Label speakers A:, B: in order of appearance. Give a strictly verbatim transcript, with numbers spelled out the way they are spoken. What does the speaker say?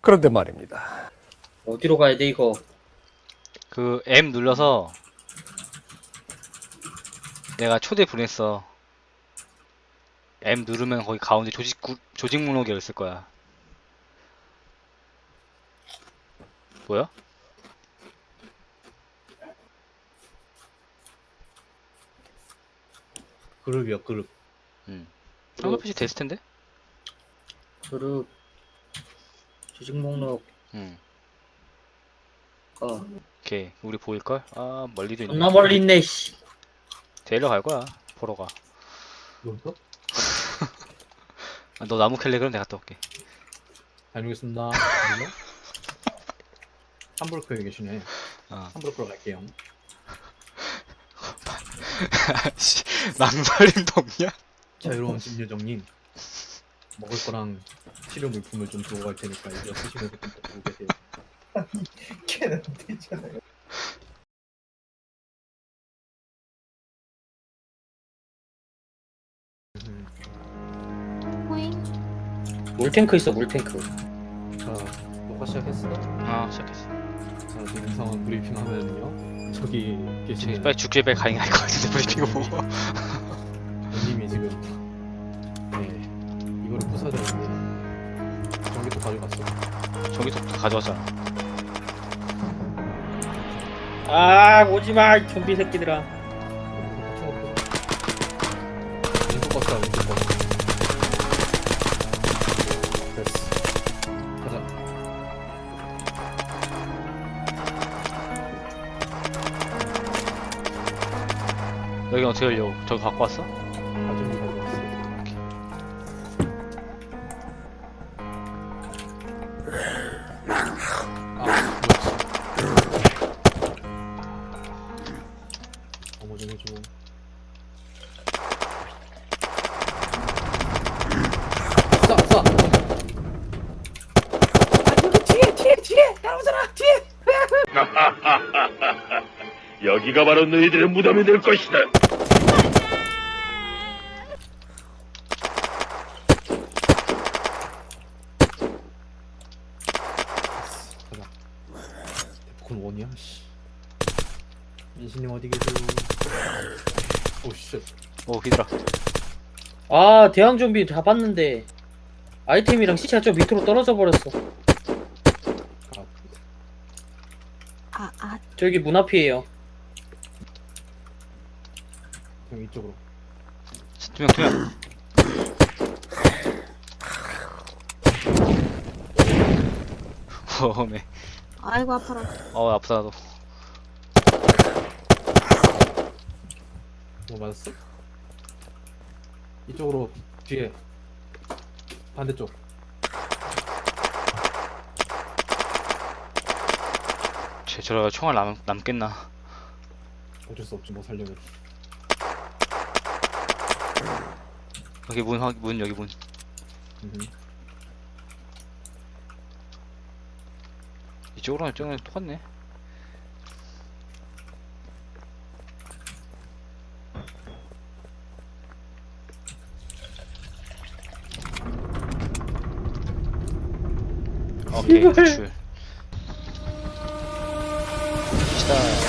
A: 그런데 말입니다.
B: 어디로 가야 돼 이거?
C: 그 M 눌러서 내가 초대 보냈어. M 누르면 거기 가운데 조직 구, 조직 목록이 있을 거야. 뭐야?
D: 그룹이요, 그룹.
C: 응. 한글 표시 됐을 텐데?
B: 그룹 조직 목록.
C: 응.
B: 어.
C: 오케이. 우리 보일걸? 아, 멀리도 있네.
B: 존나 멀리 있네 씨.
C: 데리러 갈 거야. 보러 가.
D: 이것도?
C: 아, 너 나무 캘래 그럼 내가 갔다 올게.
D: 다녀오겠습니다. 물론? 함부르크에 계시네.
C: 어.
D: 함부르크로 갈게요.
C: 씨, 망설임도 없냐?
D: 자유로운 심여정님. 먹을 거랑 치료 물품을 좀 두고 갈 테니까 이제 쓰시면서 좀 보고 계세요.
E: 걔는 되잖아요.
D: 음,
F: 호잉.
B: 물탱크 있어 물탱크.
D: 자, 녹화 시작했어?
C: 아, 시작했어.
D: 자, 지금 상황 브리핑 하면요. 저기
C: 저기
D: 계시는
C: 빨리 죽길 빨리 가능할 것 같은데 브리핑을 보고.
D: 님이 지금 네 이거를 부숴야 되는데 전기도 가져갔어.
C: 저기서 가져왔잖아.
B: 아 오지마 좀비 새끼들아.
D: 왼쪽 버스다, 왼쪽 버스. 됐어. 가자.
C: 여기 어떻게 열려고? 저기 갖고 왔어?
D: 가정기 가져왔어. 아, 그렇지. 어머 좀 해줘. 쏴! 쏴!
G: 여기가 바로 너희들의 무덤이 될 것이다.
D: 가자. 데프콘 원이야? 씨. 민신님 어디 계세요? 오 쉣.
C: 오, 히드라.
B: 아 대왕 좀비 잡았는데 아이템이랑 시체가 좀 밑으로 떨어져 버렸어.
D: 아,
F: 아, 아,
B: 저기 문 앞이에요.
D: 형 이쪽으로.
C: 투명, 투명. 어메.
F: 아이고 아파라.
C: 어, 아프다, 너.
D: 뭐 맞았어? 이쪽으로 뒤에 반대쪽.
C: 쟤, 저러다 총알 남, 남겠나?
D: 어쩔 수 없지 뭐 살려면.
C: 여기 문, 확- 문, 여기 문.
D: 음흠.
C: 이쪽으로는 저쪽은 똑같네. 오케이,
B: 제발.
C: 구출. 시다.